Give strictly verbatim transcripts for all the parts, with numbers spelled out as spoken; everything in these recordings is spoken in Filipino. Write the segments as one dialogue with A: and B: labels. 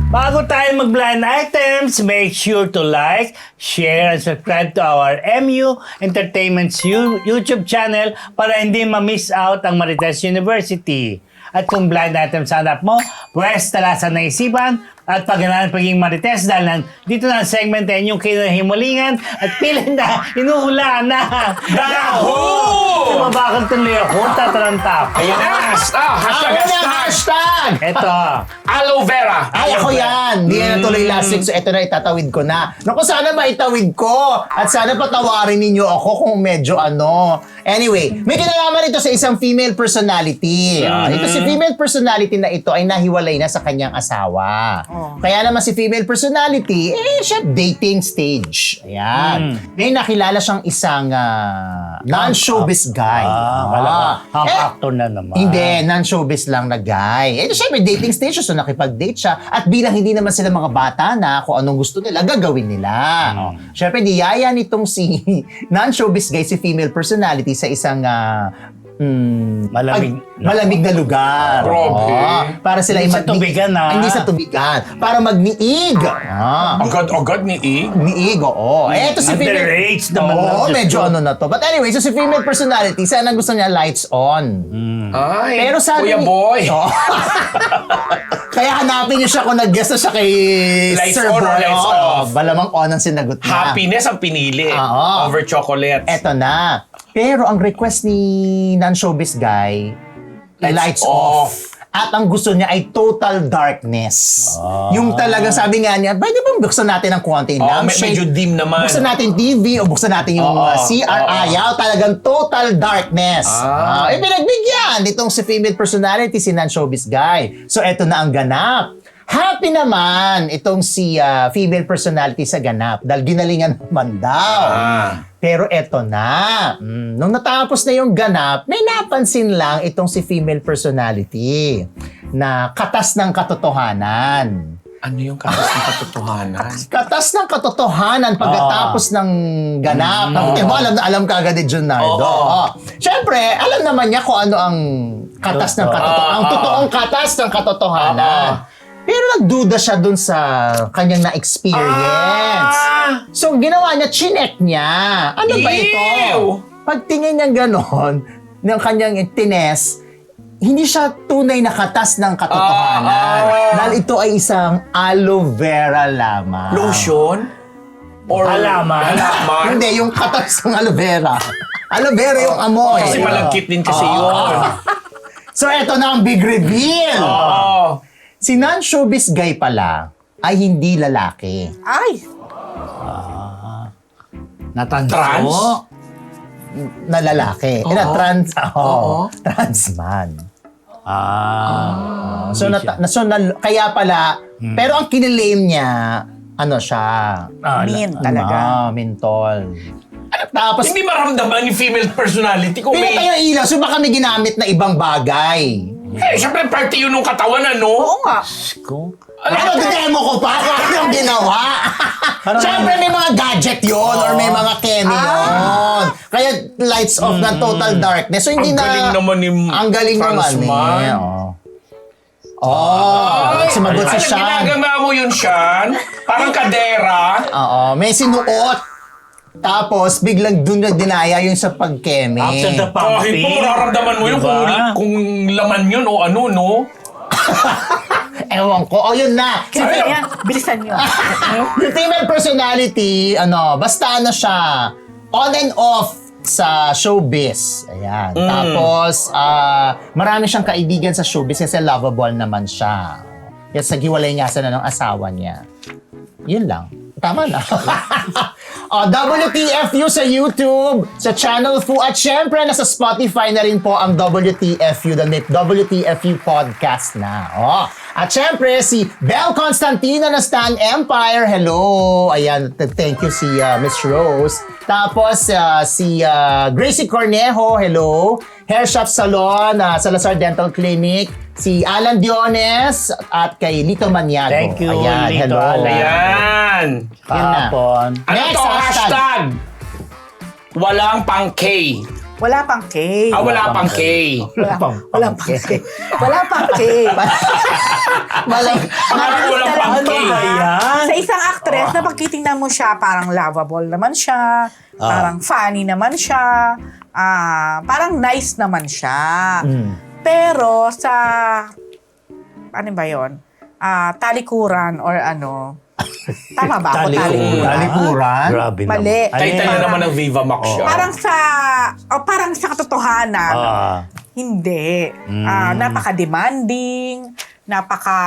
A: Bago tayo mag-blind items, make sure to like, share, and subscribe to our M U Entertainment's You- YouTube channel para hindi ma-miss out ang Marites University. At kung blind items hanap mo, pwes talasan ng isipan at pagganaan pagiging Marites dahil nan, dito na ang segment na inyong kinahimulingan at piling na inuhula na
B: Daho!
A: Tumabakal tuloy ako, tataranta ako.
B: Ayan na! Ah, hashtag,
C: Ako na
B: hashtag!
C: hashtag!
A: Eto.
B: Aloe vera!
C: Ay, ako yan! Hindi na natuloy last week, so eto na, itatawid ko na. Naku, sana maitawid ko! At sana patawarin ninyo ako kung medyo ano. Anyway, may kinalaman ito sa isang female personality. Ah, ito si female personality na ito ay nahiwalay na sa kanyang asawa. Kaya naman si female personality, eh, siya dating stage. Ayan. May nakilala siyang isang ah, non-showbiz guy.
A: Ah, wala
C: Ah.
A: ka.
C: Eh,
A: Actor na naman.
C: hindi, non-showbiz lang na guy. Eh, syempre, dating stage, so nakipag-date siya. At bilang hindi naman sila mga bata na kung anong gusto nila, gagawin nila. Oh. Syempre, niyaya nitong si non-showbiz guy, si female personality sa isang ah, mm,
A: Malamig.
C: pag- malamig na lugar.
B: Grabe.
C: Oo. Para sila
A: Hindi
C: ay
A: sa tubigan, ah.
C: Hindi sa tubigan. Para magniig. Ah.
B: Agad-agad ni E.
C: Niig, oo. Eh, ito si female...
A: Underage naman
C: Oo,
A: lang.
C: medyo ano na to. But anyway, so si female personality, sana gusto niya lights on.
B: Ay,
C: Pero sabi
B: Kuya
C: ni-
B: Boy.
C: Oo. Kaya hanapin niyo siya kung nag-guess na siya kay
B: Lights
C: Sir
B: on or
C: Boy.
B: lights
C: Oo,
B: off?
C: Malamang on ang sinagot niya.
B: Happiness ang pinili.
C: Oo.
B: Over chocolates.
C: Eto na. Pero ang request ni non-showbiz guy,
B: Lights
C: lights,
B: off.
C: off. At ang gusto niya ay total darkness.
A: Ah.
C: Yung talagang sabi nga niya, pwede bang buksan natin ng konti
B: Oh,
C: lang?
B: me- medyo dim naman.
C: Buksan natin T V o buksan natin yung
B: Oo,
C: uh, C R.
B: oo.
C: Ayaw, talagang total darkness.
B: Ah.
C: Ah. eh, pinagbigyan nitong si female personality, si non-showbiz guy. So, eto na ang ganap. Happy naman itong si ah, female personality sa ganap dahil ginalingan naman daw.
B: Ah.
C: Pero eto na, mm, nung natapos na yung ganap, may napansin lang itong si female personality na katas ng katotohanan.
B: Ano yung katas ng katotohanan?
C: Katas ng katotohanan pagkatapos ng ganap. Mm. mo, alam na alam ka agad ni Junardo.
B: Oo.
C: Oh. Siyempre, alam naman niya kung ano ang katas ng katotohanan. Ang
B: Ah, ah.
C: totoong katas ng katotohanan.
B: Ah,
C: Pero nagduda siya dun sa kanyang na-experience.
B: Ah!
C: So, ginawa niya, chinek niya. Ano ba ito?
B: Ew!
C: Pagtingin niya ganon, ng kanyang tines, hindi siya tunay na katas ng katotohanan.
B: Ah, ah.
C: Dahil ito ay isang aloe vera lamang.
B: Lotion? Or
A: Halaman?
B: Halaman?
C: Hindi, yung katas ng aloe vera. Aloe vera yung amoy.
B: Kasi malagkit din kasi yun.
C: So, eto na ang big reveal.
B: Oo.
C: Si non-showbiz guy pala ay hindi lalaki.
D: Ay!
A: Natanso.
B: Trans?
C: Na lalaki. Eh, na
B: Oo.
C: trans, oh,
B: Oo.
C: trans man.
A: Ah.
C: So, na, na, so na, kaya pala, pero ang kinilame niya, ano siya?
A: Ah,
D: Min
A: la-
D: talaga.
C: Ah, mentol. Tapos,
B: Hindi maramdaman ni female personality kung
C: pinatay
B: may...
C: yung ilaw, so baka may ginamit na ibang bagay.
B: Eh, syempre, parte yun ng katawan, ano?
D: Oo nga.
A: Ko.
C: Ano, demo ko pa? Ano yung ginawa? Siyempre, may mga gadget yon or may mga keme yun. Kaya lights off na total darkness. So, hindi
B: Ang
C: na...
B: galing naman ni
C: Ang galing naman
B: Transman.
C: eh. Oh, oh sumagot si
B: Ano,
C: Sean.
B: ginagawa mo yun, Sean? Parang kadera.
C: Oo, may sinuot. Tapos, biglang dun na dinaya yung sa pagkeme.
A: After the
B: Kahit
A: pumping.
B: po, mararamdaman mo yun
A: Diba?
B: kung, kung laman yun o ano, no?
C: Ewan ko. O, yun na. Si
D: Sige,
B: Ay,
D: yan. Bilisan nyo.
C: yung female personality, ano, basta ano siya, on and off sa showbiz. Ayan. Tapos, ah, marami siyang kaibigan sa showbiz kasi lovable naman siya. Kaya sa giwalay nga sana ng asawa niya. Yun lang. Tama na. oh, W T F U sa YouTube, sa Channel Fu, at syempre nasa Spotify na rin po ang W T F U, the W T F U podcast na. Oh. At syempre si Belle Constantino na Stan Empire. Hello. Ayan, th- thank you si uh, Miss Rose. Tapos uh, si uh, Gracie Cornejo. Hello. Hair Shop Salon, uh, Salazar Dental Clinic. Si Alan Diones at kay Lito Maniago.
A: Thank you,
C: Ayan,
A: Lito
C: hello.
A: Alan.
B: Ayan.
C: Yun na.
A: Kahapon.
B: Ano
C: Next
B: to?
C: hashtag.
B: Hashtag. Walang pang K.
D: Wala pang K.
B: Ah, wala pang K.
D: Wala,
C: pang-
D: wala
C: pang
D: pang K. Wala pang K.
C: Malang,
B: Parang walang pang K.
D: Ano
A: Ayan.
D: Sa isang actress na pagtitingnan mo siya, parang lovable naman siya, parang funny naman siya, ah, parang nice naman siya.
C: Mm.
D: Pero sa, ano ba yun? Ah, talikuran or ano, tama ba ako?
A: Talikuran.
C: Talikuran?
A: Grabe naman.
D: Mali.
B: Title na
D: Parang-
B: naman ng Viva Max siya.
D: Parang sa, o parang sa katotohanan,
A: Ah.
D: hindi.
A: Mm.
D: Ah, napaka-demanding, napaka...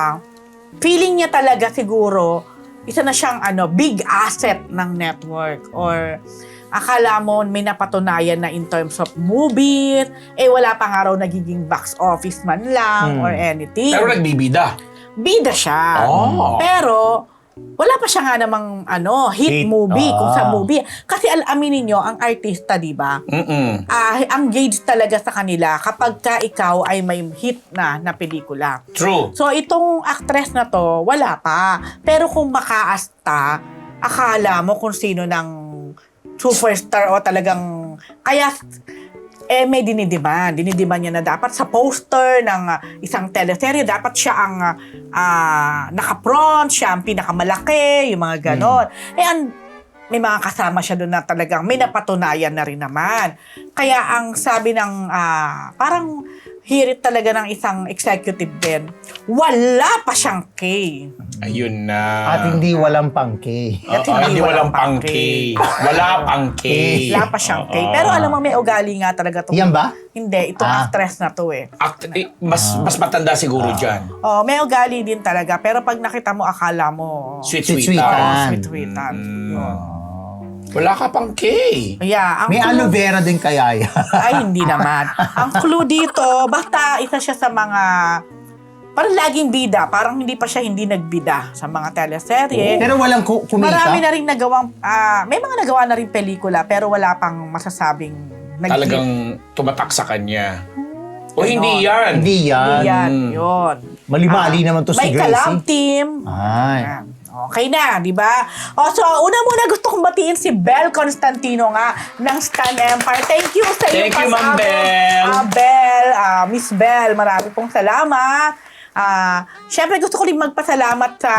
D: Feeling niya talaga siguro, isa na siyang ano, big asset ng network. Or akala mo may napatunayan na in terms of movies, eh wala pa nga raw nagiging box office man lang
C: Mm.
D: or anything.
B: Pero nagbibida.
D: Bida siya.
B: Oh.
D: Pero, wala pa siya nga namang ano, hit,
A: Hit.
D: movie, kung sa
A: Ah.
D: movie. Kasi al- aminin nyo, ang artista, di ba?
B: Mm-mm.
D: Ah, ang gauge talaga sa kanila kapag ka ikaw ay may hit na na pelikula.
B: True.
D: So, itong actress na to, wala pa. Pero kung makaasta, akala mo kung sino ng superstar o talagang... Kaya, eh, may dinidiman. Dinidiman niya na dapat sa poster ng ah, isang teleserye, dapat siya ang ah, ah, naka-front, siya ang pinakamalaki, yung mga ganon. Eh, ang, may mga kasama siya doon na talagang may napatunayan na rin naman. Kaya ang sabi ng, ah, parang hirit talaga ng isang executive din, wala pa siyang K.
B: Ayun na.
C: At hindi walang pang K.
D: At
B: Oo, hindi walang pang K. Wala pang K.
D: Wala pa siyang K.
B: Oo.
D: Pero alam mo, may ugali nga talaga to.
C: Yan ba?
D: Hindi, itong
C: Ah.
D: actress na to eh.
B: Act- eh, mas mas matanda siguro dyan.
D: Oh, may ugali din talaga. Pero pag nakita mo, akala mo...
B: Sweet-sweetan.
C: Sweet-sweetan.
D: Sweet-sweetan. Yun.
B: Wala ka pang K.
D: Yeah, ang
C: May
D: clue-
C: aloe vera din kaya yan.
D: Ay, hindi naman. Ang clue dito, basta isa siya sa mga... Parang laging bida. Parang hindi pa siya hindi nagbida sa mga teleserye.
C: Pero walang ku- kumita?
D: Marami na rin nagawang... ah, may mga nagawa na rin pelikula, pero wala pang masasabing... nag-
B: Talagang tumatak sa kanya. O
D: Ganon.
B: hindi yan.
C: Hindi yan.
D: Hindi yan,
B: Mm.
D: yun.
C: Mali-mali
D: Ah,
C: naman to si
D: may
C: Gracie.
D: collab team.
C: Ay.
D: Ayan. Okay na, di ba? O, so, una-muna gusto kong batiin si Bel Constantino nga ng Stan Empire. Thank you sa iyo.
B: Thank you, Ma'am Bel.
D: Uh, Bel, ah, Miss Bel, marami pong salamat. Ah, Siyempre, gusto ko rin magpasalamat sa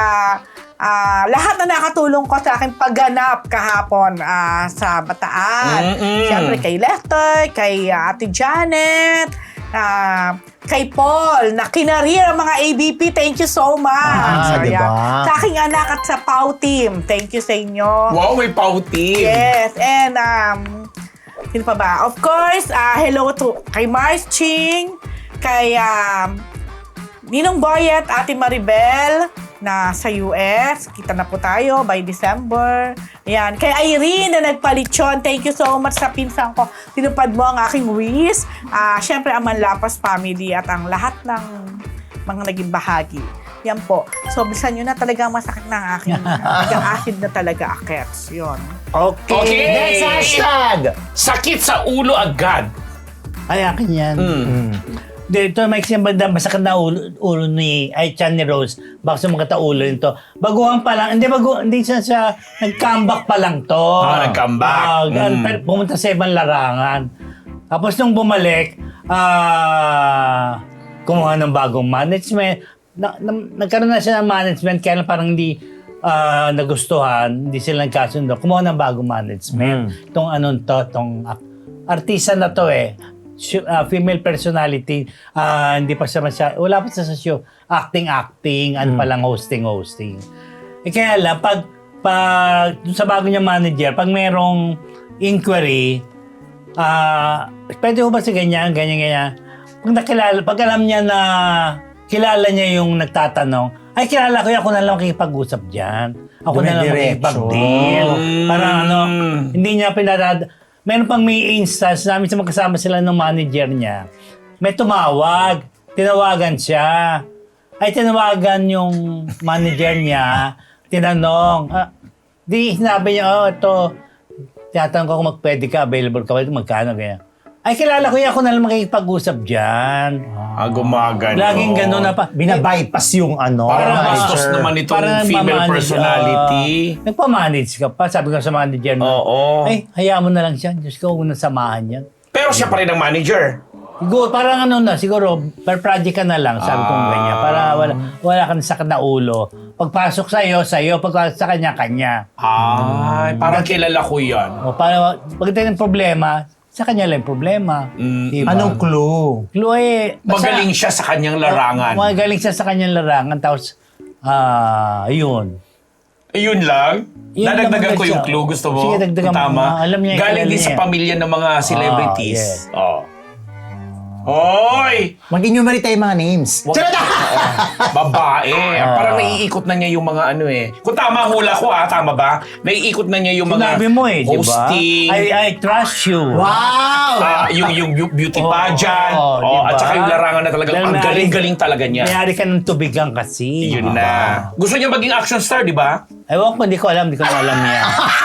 D: ah, lahat na nakatulong ko sa aking pagganap kahapon ah, sa Bataan.
B: Mm-mm.
D: Siyempre, kay Lester, kay ah, Ate Janet, ah, kay Paul, na kinarir ang mga A B P. Thank you so much.
C: Ah,
D: Ayan.
C: diba?
D: Sa aking anak at sa Pau team. Thank you sa inyo.
B: Wow, may pautin.
D: Yes, and um, sino pa ba? Of course, ah, hello to kay Mars Ching, kay um, Ninong Boyet, Ate Maribel, na sa U S. Kita na po tayo by December. Ayan. Kay Irene na nagpalitsyon. Thank you so much sa pinsan ko. Tinupad mo ang aking wish. Ah, Siyempre, ang Manlapas family at ang lahat ng mga naging bahagi. Yan po. So, bisan nyo na talaga masakit na ang aking nag-acid na talaga akets. Yun.
A: Okay.
B: Okay.
C: Next hashtag!
B: Sakit sa ulo agad.
A: Ay, akin yan.
B: Mm.
A: Dito, may banda, masakit na ulo, ulo ni, ay, chan ni Rose. Baka sumakit ang ulo nito. Baguhan pa lang, hindi bago, hindi siya siya, nag-comeback pa lang to.
B: Ah, nag-comeback.
A: Ah, gan-
B: Mm.
A: pero pumunta sa ibang larangan. Tapos nung bumalik, ah, kumuha ng bagong management. Na, na, nagkaroon na siya ng management, kaya lang parang hindi ah, nagustuhan, hindi sila nagkasundo. Kumuha ng bagong management. Itong anong to, itong ah, artista na to eh. Su- ah, female personality, ah, hindi pa siya masya, wala pa siya sa show. Acting-acting, ano pa lang hosting-hosting. Eh kaya lang, pag, pag dun sa bago niya manager, pag merong inquiry, ah, pwede ko ba si ganyan, ganyan, ganyan. Pag nakilala, pag alam niya na kilala niya yung nagtatanong, ay kilala ko yan, ako na lang makikipag-usap dyan. Ako na lang
C: Dumidiretso.
A: makikipag-deal.
B: Mm.
A: Parang ano, hindi niya pinarad. Meron pang may instance namin sa magkasama sila ng manager niya. May tumawag. Tinawagan siya. Ay, tinawagan yung manager niya. Tinanong. Ah, di, sinabi niya, oh, ito. Tinatanong ko kung magpwede ka, available ka ba? Magkano, ganyan. Ay, kilala ko yan. Ako na lang makikipag-usap dyan.
B: Ah, gumagano.
A: Laging gano'n na pa.
C: Binabypass yung ano.
B: Parang
A: Parang-
B: bastos
C: manager.
B: naman itong
A: Parang
B: female
A: nagmamanage,
B: personality.
A: ah, nagpamanage ka pa. Sabi ko sa manager na,
B: Oo.
A: ay, hayaan mo na lang siya. Diyos ko, huwag mo na samahan yan.
B: Pero siya pa rin ang manager.
A: Siguro, parang ano na, siguro, per project ka na lang, sabi kong
B: Ah.
A: ganyan. Para wala, wala kang sakit na ulo. Pagpasok sa'yo, sa'yo. Pagpasok sa kanya, kanya.
B: Ay, parang kilala ko yan.
A: O para, pagdating ng problema, sa kanya lang yung problema.
B: Mm.
A: Diba?
C: Anong clue?
A: Chloe, basta-
B: Magaling siya sa kanyang larangan.
A: Magaling siya sa kanyang larangan. Tapos, ah, yun.
B: Ayun lang.
A: Yun
B: Dadagdagan
A: lang
B: ko
A: siya.
B: yung clue. Gusto mo?
A: Sige, dagdagan mo.
B: Tama.
A: Ah, alam niya,
B: Galing
A: kilala
B: din sa
A: niya.
B: pamilya ng mga celebrities.
A: yes.
B: Oh. Hoy!
C: Mag-enumerate tayo mga names.
B: Wag-
C: Charot!
B: Babae.
A: Ah.
B: Parang naiikot na niya yung mga ano eh. Kung tama hula ko ah, tama ba? Naiikot na niya yung mga
A: Sinabi mo eh, di ba?
B: hosting.
A: I, I trust you.
C: Wow!
B: ah, yung, yung bu- beauty
A: Oo,
B: pageant.
A: oo,
B: oh,
A: diba?
B: At saka yung larangan na talagang
A: Dahil
B: ang
A: may-
B: galing-galing talaga niya.
A: Mayari ka ng tubigan kasi.
B: Yun na. Gusto niya maging action star, di ba?
A: Ewan ko, hindi ko alam, hindi ko na alam yan.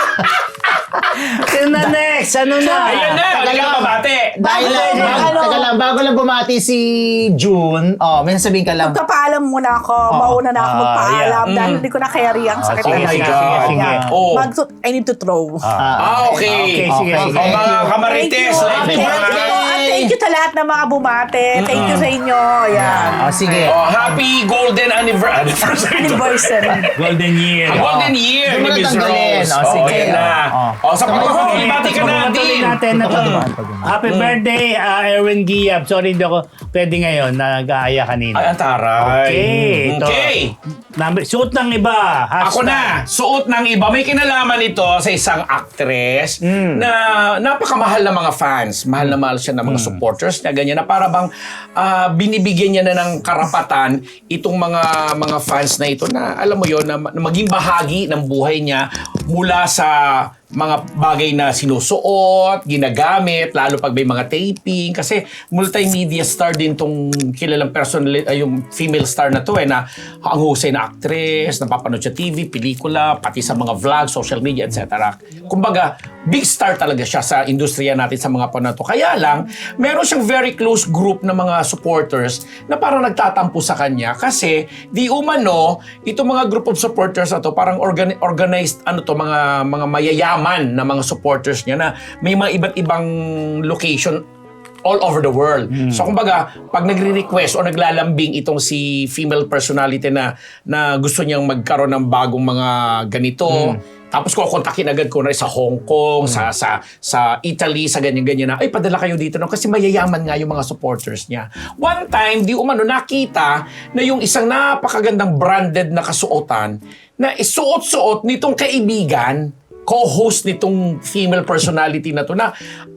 A: Sino na next? Ano na?
B: Ayan na,
C: Taga
B: hindi ka
C: lang.
B: mabate.
C: Dahil
D: Bago
C: lang,
D: lang,
C: bago,
D: ano?
C: taga lang, bago lang bumati si June, oh, may sasabihin ka lang.
D: Magpapaalam muna ako. Mauna na ako
A: Ah,
D: magpaalam
B: yeah.
D: dahil
B: Mm.
D: hindi ko na carry ang sakit
A: sige,
D: na
B: Oh my
A: sige,
B: God.
A: sige, sige.
D: Yeah.
B: Oh.
D: Mag- I need to throw.
B: Ah, okay.
A: Okay, sige,
C: Okay.
A: sige.
B: O mga
C: Thank you.
B: kamarites,
D: Thank you.
B: like
D: Thank
B: the
D: you.
B: brand.
D: At thank you sa lahat ng mga bumate. Thank you sa inyo. Yan.
C: Oh, sige.
B: Oh, happy golden anniver- anniversary.
D: Anniversary.
A: Golden year.
B: Ang golden year
C: Hindi
B: ni
C: mo na
B: Miss
C: tanggalin.
B: Rose.
C: Oh,
B: Oh,
C: sige.
B: yan na.
C: Oh.
B: Oh, sa
C: Sabay-
B: pagkakabati ibati ka
A: Patuloy
B: natin.
A: natin na to.
C: Patuloy, patuloy.
A: Happy birthday, uh, Erwin Giab. Sorry, hindi ako pwede ngayon. Nag-aaya kanina.
B: Ay, ang taray.
A: Okay. Ito.
B: Okay.
A: Number, suot ng iba.
B: Ako
A: Hashtag.
B: na, suot ng iba. May kinalaman ito sa isang actress
A: Hmm.
B: na napakamahal na mga fans. Mahal na mahal siya ng
A: Hmm.
B: mga supporters niya. Ganyan na para bang ah, binibigyan niya na ng karapatan itong mga mga fans na ito na alam mo yon na, na maging bahagi ng buhay niya mula sa mga bagay na sinusuot, ginagamit, lalo pag may mga taping. Kasi multimedia star din tong kilalang personal, ay yung female star na to eh, na ang husay na actress, napapanood sa T V, pelikula, pati sa mga vlog, social media, et cetera. Kumbaga, big star talaga siya sa industriya natin sa mga panahon na to. Kaya lang, meron siyang very close group na mga supporters na parang nagtatampo sa kanya kasi di umano, itong mga group of supporters na to, parang organi- organized, ano to, mga, mga mayayaman na mga supporters niya na may mga iba't ibang location all over the world. So kumbaga, pag nagre-request o naglalambing itong si female personality na na gusto niyang magkaroon ng bagong mga ganito, tapos kukontakin agad ko na sa Hong Kong, sa sa sa Italy, sa ganyan-ganyan na, ay padala kayo dito no kasi mayayaman nga yung mga supporters niya. One time, di umano nakita na yung isang napakagandang branded na kasuotan na isuot-suot nitong kaibigan, co-host nitong female personality na to na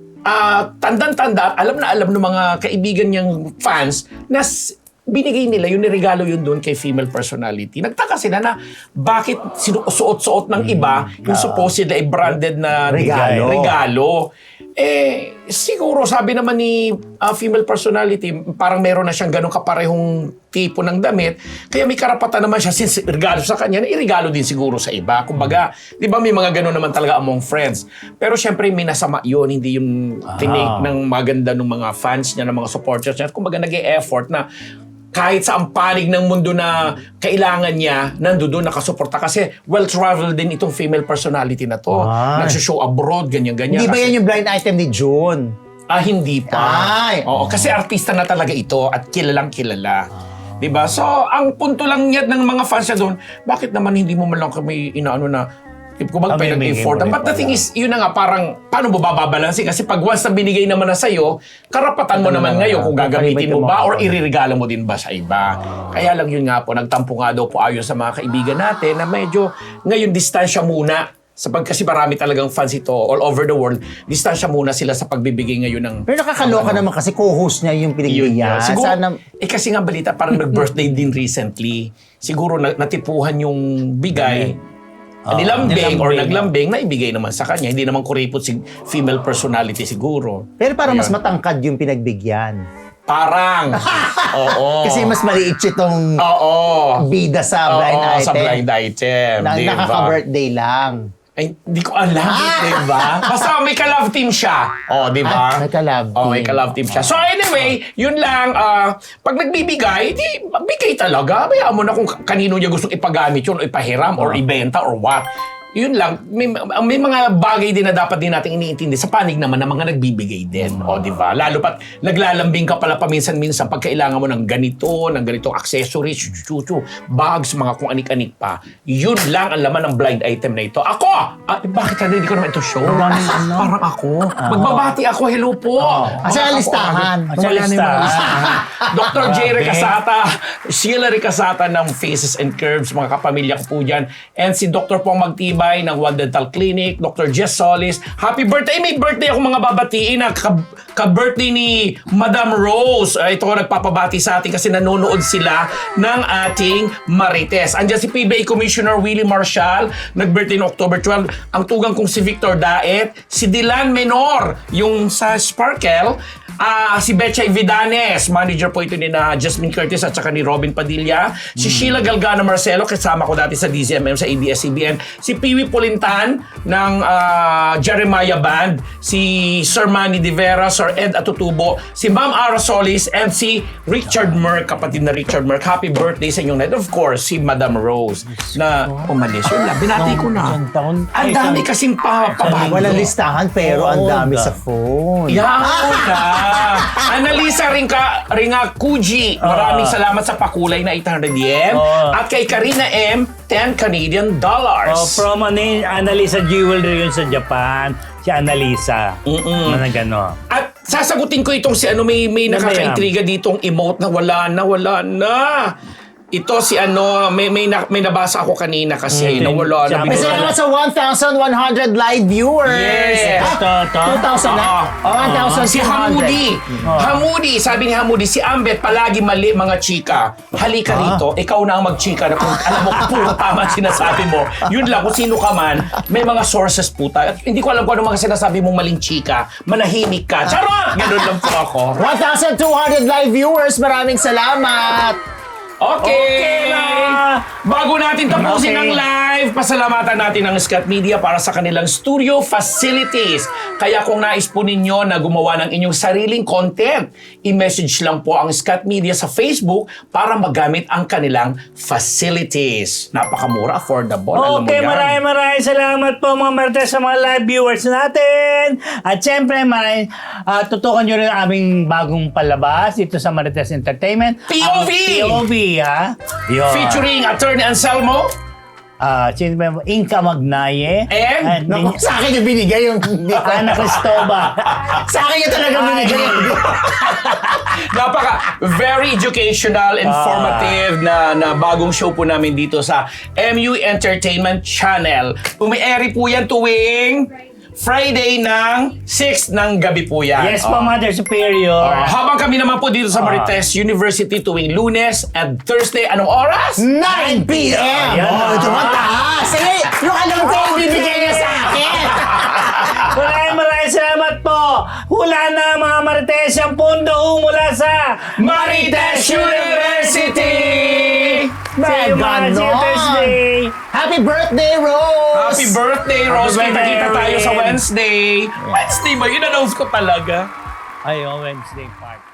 B: ah, tandang-tanda, alam na alam ng mga kaibigan niyang fans na s- binigay nila yung niregalo yun doon kay female personality. Nagtaka sila na bakit sinusuot-suot ng iba yung supposed ay branded na
C: Regalo.
B: regalo. Eh, siguro sabi naman ni ah, female personality, parang meron na siyang ganong kaparehong tipo ng damit, kaya may karapatan naman siya since regalo sa kanya, na irigalo din siguro sa iba. Kumbaga, di ba may mga ganon naman talaga among friends. Pero syempre may nasama yun, hindi yung tinake ng maganda ng mga fans niya, ng mga supporters niya. Kumbaga nag-e-effort na kahit sa ang panig ng mundo na kailangan niya, nandoon nakasuporta. Kasi well-traveled din itong female personality na to.
C: Ay.
B: Nagsishow abroad, ganyan-ganyan.
C: Hindi ba
B: Kasi-
C: yan yung blind item ni June?
B: Ah, hindi pa.
C: Ay.
B: Oo, kasi artista na talaga ito at kilalang kilala. 'Di ba? So, ang punto lang niya ng mga fans niya doon, bakit naman hindi mo man lang kami inaano na kung
A: Ah, may
B: mag-effort.
A: bigay mo
B: But the
A: rin
B: thing
A: pala.
B: is, yun na nga, parang, paano mo bababalansin? Kasi pag once na binigay naman na sa'yo, karapatan mo
C: Ano
B: naman
C: naman,
B: ngayon kung gagamitin mo
C: gagamitin
B: ba
C: mo.
B: or iririgalo mo din ba sa iba. Kaya lang yun nga po, nagtampo nga daw po ayon sa mga kaibigan natin na medyo ngayon distansya muna. Sapag kasi marami talagang fans ito all over the world, distansya muna sila sa pagbibigay ngayon ng
C: Pero nakakaloka naman kasi co-host niya yung
B: yun
C: pinagbigyan.
B: yun. Siguro,
C: Sana,
B: eh kasi nga balita, parang nag-birthday din recently. Siguro na, natipuhan yung bigay,
A: Ah,
B: nilambing or
A: nilambing.
B: naglambing, na ibigay naman sa kanya. Hindi naman kuripot si female personality siguro.
C: pero parang mas
B: Ayun.
C: matangkad yung pinagbigyan.
B: Parang. Oo.
C: Kasi mas maliit itong
B: Oo.
C: bida sa blind
B: Oo,
C: item.
B: sa blind item.
C: Na,
B: diba?
C: nakaka-birthday lang.
B: Ay, hindi ko alam, di ba? Basta may ka-love team siya. Oh, di ba?
C: Ah, may ka-love
B: Oh, may
C: team.
B: ka-love team siya. So anyway, yun lang. ah, pag nagbibigay, di, bigay talaga. Bayaan mo na kung kanino niya gustong ipagamit yun, o ipahiram, or ibenta, or what. yun lang, may, may mga bagay din na dapat din natin iniintindi sa panig naman ng mga nagbibigay din. O, di ba? Lalo pat naglalambing ka pala paminsan-minsan pag kailangan mo ng ganito, ng ganitong accessories, chuchu, bags, mga kung anik-anik pa. Yun lang ang laman ng blind item na ito. Ako! Ah, bakit hindi ko naman ito show? Parang ako. Magbabati ako, hello po.
C: Kasi ang listahan.
A: Sa listahan.
B: Doctor J. Ricasata, Sheila Ricasata ng Faces and Curves, mga kapamilya ko po dyan. And si Doctor Pong Magtibay ng One Dental Clinic, Doctor Jess Solis. Happy birthday! May birthday ako mga babatiin na ka- ka-birthday ni Madam Rose. Uh, ito ko nagpapabati sa atin kasi nanonood sila ng ating Marites. Andiyan si P B A Commissioner Willie Marshall, nag-birthday no October twelve. Ang tugang kong si Victor Daet, si Dylan Menor, yung sa Sparkle, Ah, si Betchay Vidanes, manager po ito ni na Jasmine Curtis at saka ni Robin Padilla. Si Sheila Galgano Marcelo, kasama ko dati sa D Z M M sa A B S C B N. Si Piwi Pulintan ng ah, Jeremiah Band. Si Sir Manny De Vera, Sir Ed Atutubo. Si Ma'am Ara Solis and si Richard Merck, kapatid na Richard Merck. Happy birthday sa inyong night. Of course, si Madam Rose na umalis. Yun lang, binati ko na.
A: Isang taon.
B: Ang dami kasing pa pabati.
C: Walang listahan pero ang
A: Oo,
C: dami
A: da.
C: sa phone.
B: Yan na. Analisa Rinka, Ringa Kuji, maraming salamat sa pakulay na eight hundred yen.
A: Oo.
B: At kay Karina M, ten Canadian dollars.
A: Oh, from ano yun, Annalisa Jewelry yun sa Japan. Si Annalisa. Mm-mm. Na gano.
B: At sasagutin ko itong si ano, may, may
A: Ano ba
B: nakaka-intriga ditong emote na wala na, wala na. Ito si ano, may may, na, may nabasa ako kanina kasi
A: Mm,
B: na wala na.
A: sabi
C: May
A: ko-
C: salamat sa one thousand one hundred live viewers.
B: Yes.
C: Ah,
A: Ito, ito.
C: two thousand na?
B: Oo.
C: Oh, one thousand
B: Si
C: two hundred.
B: Hamudi. Hamudi, sabi ni Hamudi, si Ambet palagi mali mga chika. Halika rito, ikaw na ang magchika na kung alam mo puro tama ang sinasabi mo. Yun lang, kung sino ka man, may mga sources po tayo. At hindi ko alam kung ano mga sinasabi mong maling chika. Manahimik ka. Charot! Ganun lang po ako.
C: one thousand two hundred live viewers. Maraming salamat.
B: Okay.
A: Okay na.
B: Bago natin tapusin
A: Okay.
B: ang live, pasalamatan natin ang Scott Media para sa kanilang studio facilities. Kaya kung nais po ninyo na gumawa ng inyong sariling content, i-message lang po ang Scott Media sa Facebook para magamit ang kanilang facilities. Napakamura, affordable. Alam mo
A: Okay,
B: yan.
A: maraming maraming salamat po mga Marites sa mga live viewers natin. At syempre, maraming uh, tutukan nyo rin ang aming bagong palabas dito sa Marites Entertainment.
B: P O V!
A: Ang P O V, ha? Yun.
B: Featuring Attorney Anselmo.
A: Ah, sino ba yung Inka Magnaye?
B: And?
A: At
C: Naku,
A: din-
C: sa akin yung binigay yung hindi ko.
A: Ana Cristobal.
C: Sa akin yung talaga binigay yung
B: Napaka very educational, informative na, na bagong show po namin dito sa M U Entertainment Channel. Umi-airy po yan tuwing Friday ng six ng gabi po yan.
A: Yes
B: Oh.
A: po, Mother Superior.
B: Oh, habang kami naman po dito sa Marites University tuwing Lunes and Thursday, anong oras?
C: nine p.m.
A: Ayan.
C: Oh, tumataas. Sige, yung alam ko yung bibigay niya sa akin.
A: Maraming maraming salamat po. Hula na mga Marites ang pundo mula sa
B: Marites University!
A: See you, mga see you
C: Ganon.
A: Thursday.
C: Happy birthday, Rose!
B: Happy birthday, Rose!
A: Happy birthday,
B: Kita-kita tayo sa
A: Erwin.
B: Wednesday. Wednesday ba? In-announce ko talaga.
A: Ay, oh, Wednesday party.